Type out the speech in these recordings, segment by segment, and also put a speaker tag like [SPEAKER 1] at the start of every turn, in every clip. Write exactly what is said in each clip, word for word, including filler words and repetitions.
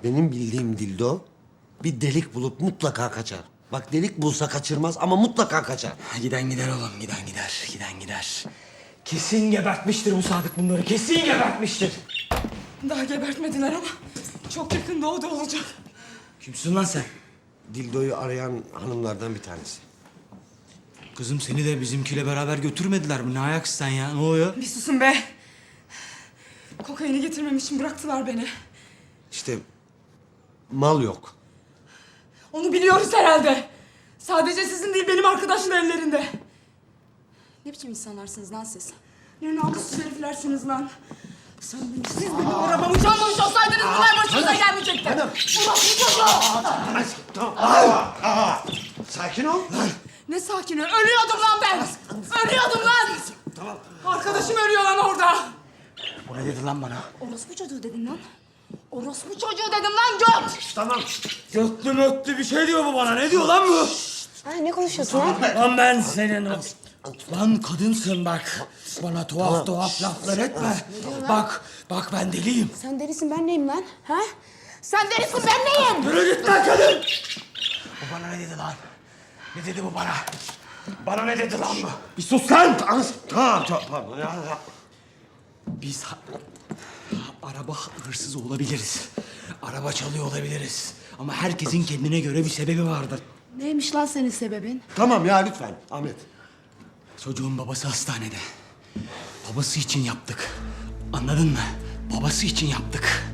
[SPEAKER 1] Benim bildiğim dildo bir delik bulup mutlaka kaçar. Bak delik bulsa kaçırmaz ama mutlaka kaçar.
[SPEAKER 2] Giden gider oğlum, giden gider, giden gider. Kesin gebertmiştir bu Sadık bunları, kesin gebertmiştir.
[SPEAKER 3] Daha gebertmediler ama çok yakında o da olacak.
[SPEAKER 2] Kimsin lan sen?
[SPEAKER 1] Dildoyu arayan hanımlardan bir tanesi.
[SPEAKER 2] Kızım seni de bizimkiyle beraber götürmediler mi? Ne ayaksın sen ya? Ne oluyor?
[SPEAKER 3] Bir susun be. Kokaini getirmem için bıraktılar beni.
[SPEAKER 1] İşte mal yok.
[SPEAKER 3] Onu biliyoruz herhalde. Sadece sizin değil benim arkadaşın ellerinde. Ne biçim insanlarsınız lan siz? Ne namussuz heriflersiniz lan. Sen beni, siz benim arabamı çalmamış olsaydınız bunlar başınıza gelmeyecekti. Ulan bu çocuğu!
[SPEAKER 1] Tamam. Aa, aa. Sakin ol.
[SPEAKER 3] Ne sakini? Ölüyordum lan ben! Ölüyordum lan!
[SPEAKER 1] Tamam.
[SPEAKER 3] Arkadaşım ölüyor lan orada.
[SPEAKER 2] Bu ne dedi lan bana?
[SPEAKER 3] Orospu çocuğu dedim lan. Orospu çocuğu dedim lan göt!
[SPEAKER 1] Tamam.
[SPEAKER 2] Götlü mötlü bir şey diyor bu bana. Ne diyor lan bu?
[SPEAKER 4] Ha, ne konuşuyorsun lan?
[SPEAKER 2] Lan ben senin o... Lan kadınsın bak. Bana tuhaf tuhaf laflar etme. Bak, bak ben deliyim.
[SPEAKER 4] Sen delisin, ben neyim lan? Ha? Sen delisin, ben neyim?
[SPEAKER 2] Yürü git lan kadın! Bu bana ne dedi lan? Ne dedi bu bana? Bana ne dedi lan bu? Bir sus lan!
[SPEAKER 1] Tamam. Tamam. Pardon. Ya, ya.
[SPEAKER 2] Biz ha- araba hırsızı olabiliriz. Araba çalıyor olabiliriz. Ama herkesin kendine göre bir sebebi vardır.
[SPEAKER 4] Neymiş lan senin sebebin?
[SPEAKER 1] Tamam ya lütfen Ahmet.
[SPEAKER 2] Çocuğun babası hastanede. Babası için yaptık. Anladın mı? Babası için yaptık.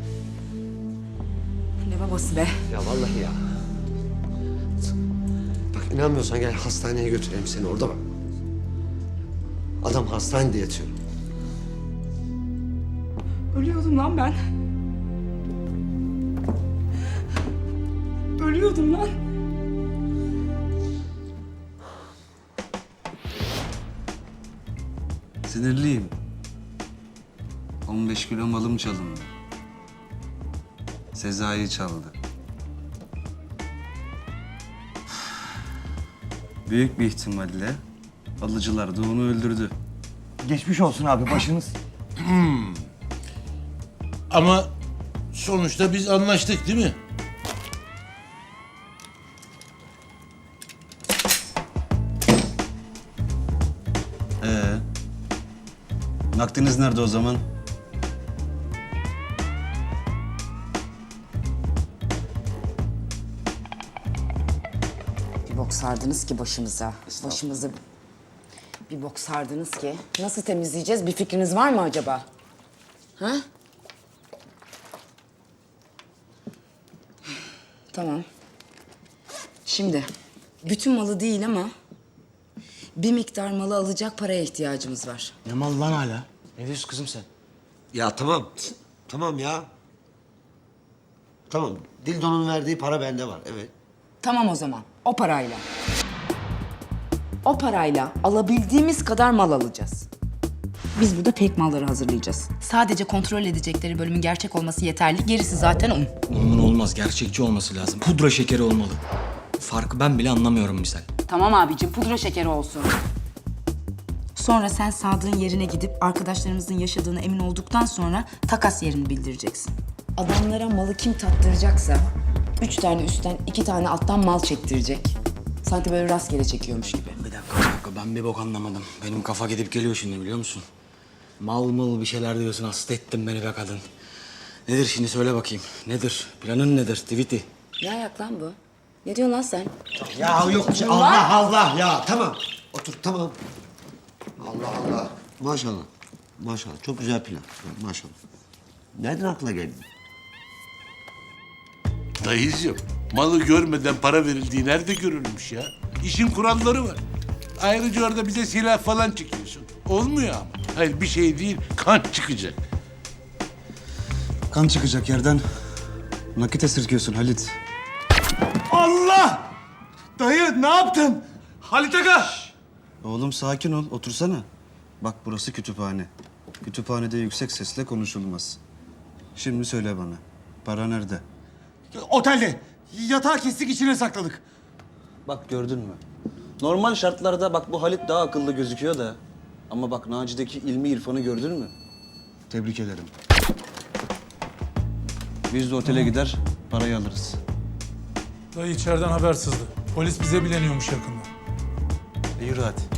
[SPEAKER 3] Ne babası be?
[SPEAKER 1] Ya vallahi ya. Bak inanmıyorsan gel hastaneye götüreyim seni orada bak. Adam hastanede yatıyor.
[SPEAKER 3] Ölüyordum lan ben. Ölüyordum lan.
[SPEAKER 5] Sinirliyim. on beş kilo malım çalındı. Sezai çaldı. Büyük bir ihtimalle alıcılar da onu öldürdü.
[SPEAKER 2] Geçmiş olsun abi başınız.
[SPEAKER 6] Ama sonuçta biz anlaştık değil mi?
[SPEAKER 5] Ee, nakdiniz nerede o zaman?
[SPEAKER 7] Bir bok sardınız ki başımıza. Başımızı bir bok sardınız ki. Nasıl temizleyeceğiz? Bir fikriniz var mı acaba? Ha? Tamam. Şimdi bütün malı değil ama bir miktar malı alacak paraya ihtiyacımız var.
[SPEAKER 2] Ne mal lan hala? Ne diyorsun kızım sen?
[SPEAKER 1] Ya tamam. Tamam ya. Tamam. Dildo'nun verdiği para bende var. Evet.
[SPEAKER 7] Tamam o zaman. O parayla. O parayla alabildiğimiz kadar mal alacağız. Biz burada tek malları hazırlayacağız. Sadece kontrol edecekleri bölümün gerçek olması yeterli. Gerisi zaten un.
[SPEAKER 2] Bunun olmaz, gerçekçi olması lazım. Pudra şekeri olmalı. Farkı ben bile anlamıyorum misal.
[SPEAKER 7] Tamam abicim, pudra şekeri olsun. Sonra sen Sadık'ın yerine gidip arkadaşlarımızın yaşadığını emin olduktan sonra takas yerini bildireceksin. Adamlara malı kim tattıracaksa üç tane üstten, iki tane alttan mal çektirecek. Sanki böyle rastgele çekiyormuş gibi.
[SPEAKER 2] Bir dakika, bir dakika. Ben bir bok anlamadım. Benim kafa gidip geliyor şimdi biliyor musun? Mal mıl bir şeyler diyorsun. Hasta ettin beni be kadın. Nedir şimdi söyle bakayım. Nedir? Planın nedir? Tweety.
[SPEAKER 7] Ne ayak lan bu? Ne diyorsun lan sen?
[SPEAKER 1] Ya yok bir şey. Allah Allah ya. Tamam. Otur tamam. Allah Allah. Maşallah. Maşallah. Çok güzel plan. Maşallah. Nereden aklına geldi?
[SPEAKER 6] Dayıcığım, malı görmeden para verildiği nerede görülmüş ya? İşin kuralları var. Ayrıca orada bize silah falan çekiyorsun. Olmuyor ama. Hayır bir şey değil, kan çıkacak.
[SPEAKER 5] Kan çıkacak yerden. Nakit esirgiyorsun Halit.
[SPEAKER 2] Allah! Dayı ne yaptın? Halit Aga!
[SPEAKER 5] Oğlum sakin ol, otursana. Bak burası kütüphane. Kütüphanede yüksek sesle konuşulmaz. Şimdi söyle bana, para nerede?
[SPEAKER 2] Otelde. Yatağı kestik içine sakladık.
[SPEAKER 5] Bak gördün mü? Normal şartlarda bak bu Halit daha akıllı gözüküyor da. Ama bak Naci'deki ilmi irfanı gördün mü? Tebrik ederim. Biz de otele gider, Parayı alırız.
[SPEAKER 8] Dayı içeriden haber sızdı. Polis bize bileniyormuş yakında.
[SPEAKER 5] E yürü hadi.